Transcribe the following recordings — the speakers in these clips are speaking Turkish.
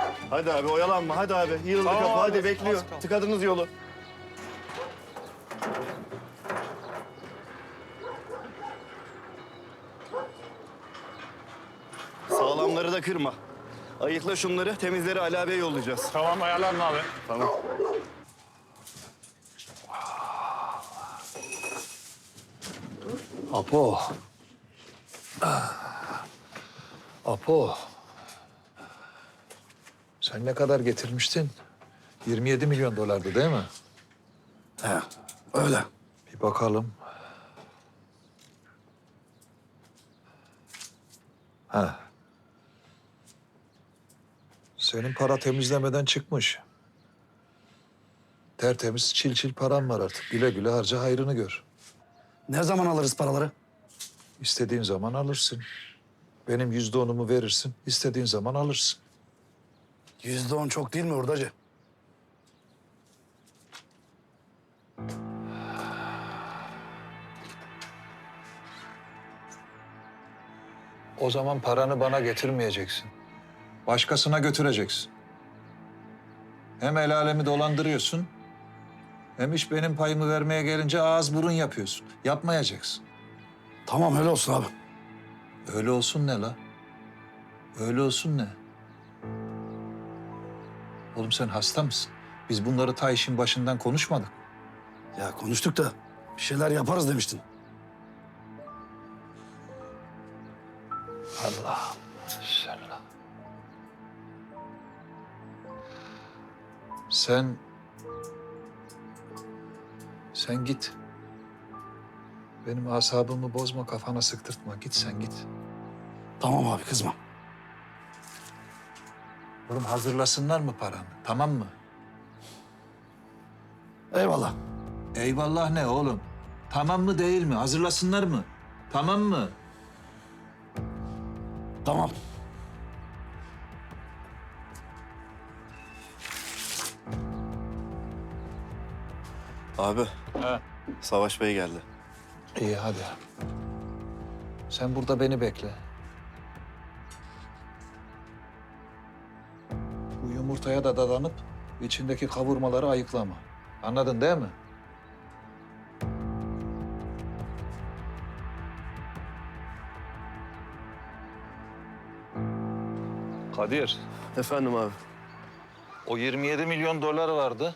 Hadi abi oyalanma hadi abi. Yığıldı Tamam kapı abi, hadi az bekliyor. kaldı. Tıkadınız yolu. Sağlamları da kırma. Ayıkla şunları, temizleri Ali abiye yollayacağız. Tamam ayarlanma abi. Tamam. Apo. Apo. Sen ne kadar getirmiştin? 27 milyon dolardı değil mi? He, öyle. Bir bakalım. Ha. Senin para temizlemeden çıkmış. Tertemiz çil çil param var artık. Güle güle harca hayrını gör. Ne zaman alırız paraları? İstediğin zaman alırsın. Benim %10'umu verirsin. İstediğin zaman alırsın. %10 çok değil mi hurdacı? O zaman paranı bana getirmeyeceksin. Başkasına götüreceksin. Hem el alemi dolandırıyorsun, hem iş benim payımı vermeye gelince ağız burun yapıyorsun. Yapmayacaksın. Tamam öyle olsun abi. Öyle olsun ne la? Öyle olsun ne? Oğlum sen hasta mısın? Biz bunları ta işin başından konuşmadık. Ya konuştuk da bir şeyler yaparız demiştin. Allah'ım selam. Sen git. Benim asabımı bozma, kafana sıktırtma. Git sen git. Tamam abi kızma. Oğlum hazırlasınlar mı paranı? Tamam mı? Eyvallah. Eyvallah ne oğlum? Tamam mı değil mi? Hazırlasınlar mı? Tamam mı? Tamam. Abi, He. Savaş Bey geldi. İyi hadi. Sen burada beni bekle. Bu yumurtaya da dadanıp içindeki kavurmaları ayıklama. Anladın değil mi? Kadir, Efendim abi. o 27 milyon dolar vardı.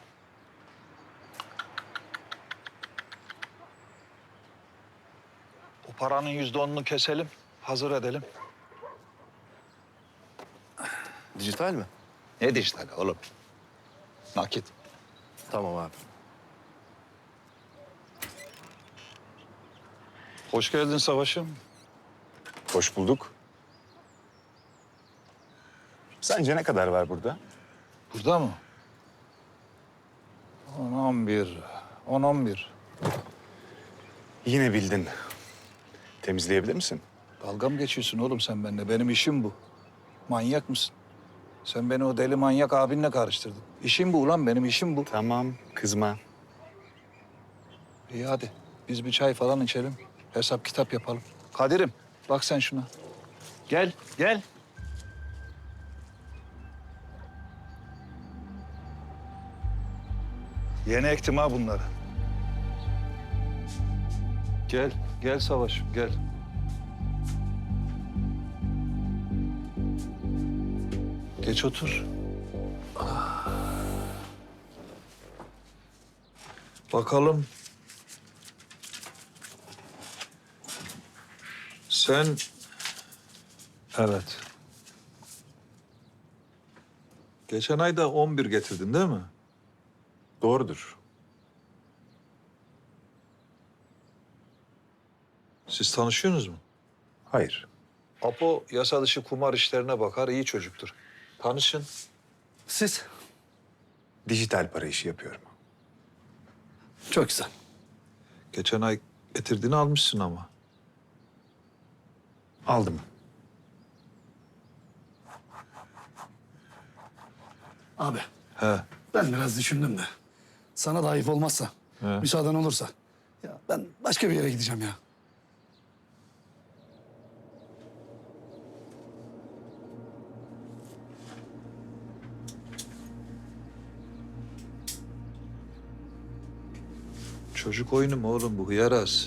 O paranın %10'unu keselim, hazır edelim. Dijital mi? Ne dijital oğlum? Nakit. Tamam abi. Hoş geldin Savaş'ım. Hoş bulduk. Sence ne kadar var burada? Burada mı? 10-11. 10-11. Yine bildin. Temizleyebilir misin? Dalga mı geçiyorsun oğlum sen benimle? Benim işim bu. Manyak mısın? Sen beni o deli manyak abinle karıştırdın. İşim bu ulan, benim işim bu. Tamam, kızma. İyi hadi. Biz bir çay falan içelim. Hesap kitap yapalım. Kadir'im bak sen şuna. Gel, gel. Yeni ektim ha bunları. Gel, gel Savaş'ım gel. Geç otur. Bakalım. Sen... Evet. Geçen ay da 11 getirdin değil mi? Doğrudur. Siz tanışıyorsunuz mu? Hayır. Apo yasa dışı kumar işlerine bakar, iyi çocuktur. Tanışın. Siz? Dijital para işi yapıyorum. Çok güzel. Geçen ay getirdiğini almışsın ama. Aldım. Abi He. ben biraz düşündüm de. Sana da ayıp olmazsa, He. müsaaden olursa. Ya ben başka bir yere gideceğim ya. Çocuk oyunu mu oğlum bu hıyaraz?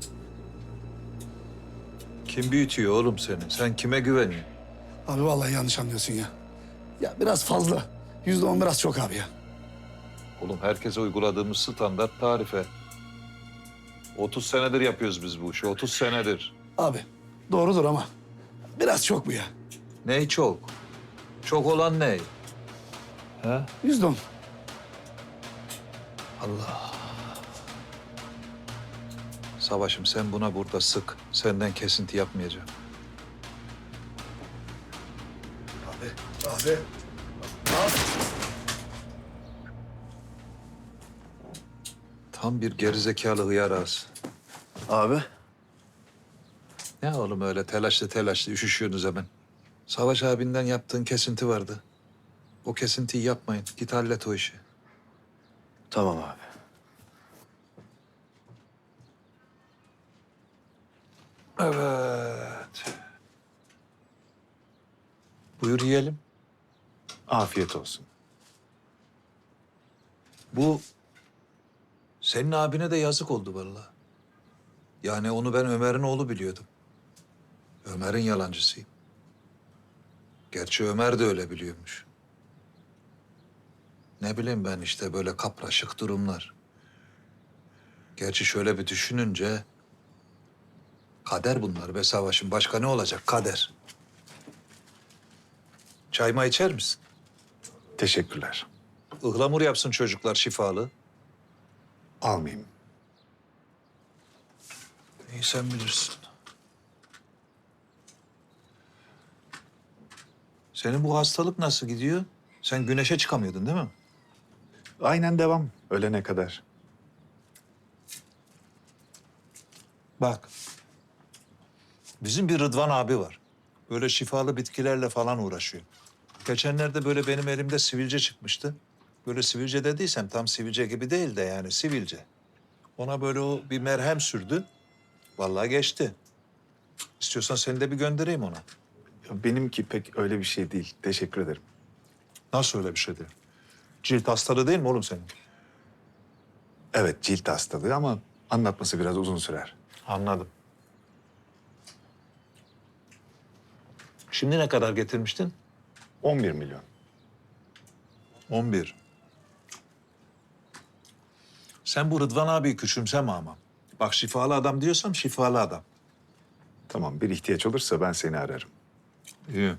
Kim büyütüyor oğlum seni? Sen kime güveniyorsun? Abi vallahi yanlış anlıyorsun ya. Ya biraz fazla. %10 biraz çok abi ya. Oğlum herkese uyguladığımız standart tarife. 30 senedir yapıyoruz biz bu işi, 30 senedir. Abi doğrudur ama biraz çok bu ya. Ney çok? Çok olan ney? He? %10. Allah. Savaşım sen buna burada sık. Senden kesinti yapmayacağım. Abi. Tam bir gerizekalı hıyaraz. Abi. Ne oğlum öyle telaşlı üşüşüyorsunuz hemen. Savaş abinden yaptığın kesinti vardı. O kesintiyi yapmayın. Git hallet o işi. Tamam abi. Evet. Buyur yiyelim. Afiyet olsun. Bu senin abine de yazık oldu vallahi. Yani onu ben Ömer'in oğlu biliyordum. Ömer'in yalancısıyım. Gerçi Ömer de öyle biliyormuş. Ne bileyim ben işte böyle kapraşık durumlar. Gerçi şöyle bir düşününce kader bunlar be Savaş'ın. Başka ne olacak? Kader. Çayma içer misin? Teşekkürler. Ihlamur yapsın çocuklar şifalı. Almayayım. İyi sen bilirsin. Senin bu hastalık nasıl gidiyor? Sen güneşe çıkamıyordun değil mi? Aynen devam. Ölene kadar. Bak. Bizim bir Rıdvan abi var. Böyle şifalı bitkilerle falan uğraşıyor. Geçenlerde böyle benim elimde sivilce çıkmıştı. Böyle sivilce dediysem tam sivilce gibi değil de yani sivilce. Ona böyle o bir merhem sürdü. Vallahi geçti. İstiyorsan seni de bir göndereyim ona. Ya benimki pek öyle bir şey değil. Teşekkür ederim. Nasıl öyle bir şey değil? Cilt hastalığı değil mi oğlum senin? Evet, cilt hastalığı ama anlatması biraz uzun sürer. Anladım. Şimdi ne kadar getirmiştin? 11 milyon. 11. Sen bu Rıdvan abiyi küçümseme ama. Bak şifalı adam diyorsam şifalı adam. Tamam, bir ihtiyaç olursa ben seni ararım. İyi.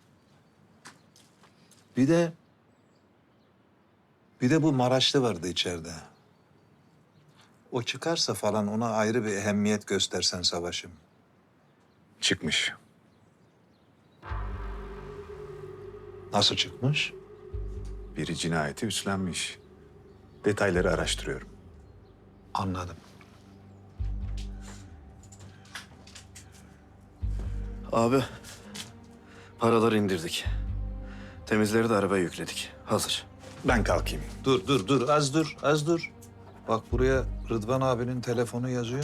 Bir de bu Maraşlı vardı içeride. O çıkarsa falan ona ayrı bir ehemmiyet göstersen Savaş'ım. Çıkmış. Nasıl çıkmış? Biri cinayeti üstlenmiş. Detayları araştırıyorum. Anladım. Abi. Paraları indirdik. Temizleri de arabaya yükledik. Hazır. Ben kalkayım. Dur, az dur. Bak buraya Rıdvan abinin telefonu yazıyor.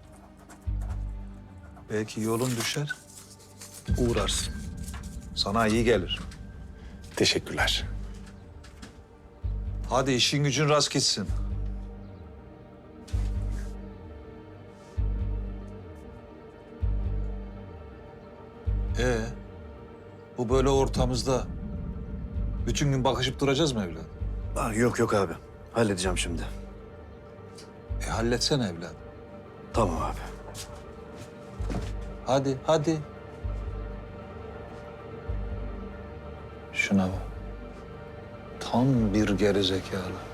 Belki yolun düşer, uğrarsın. Sana iyi gelir. Teşekkürler. Hadi işin gücün rast gitsin. Bu böyle ortamızda bütün gün bakışıp duracağız mı evladım? Yok abi. Halledeceğim şimdi. Halletsene evladım. Tamam abi. Hadi. Şuna bak. Tam bir gerizekalı.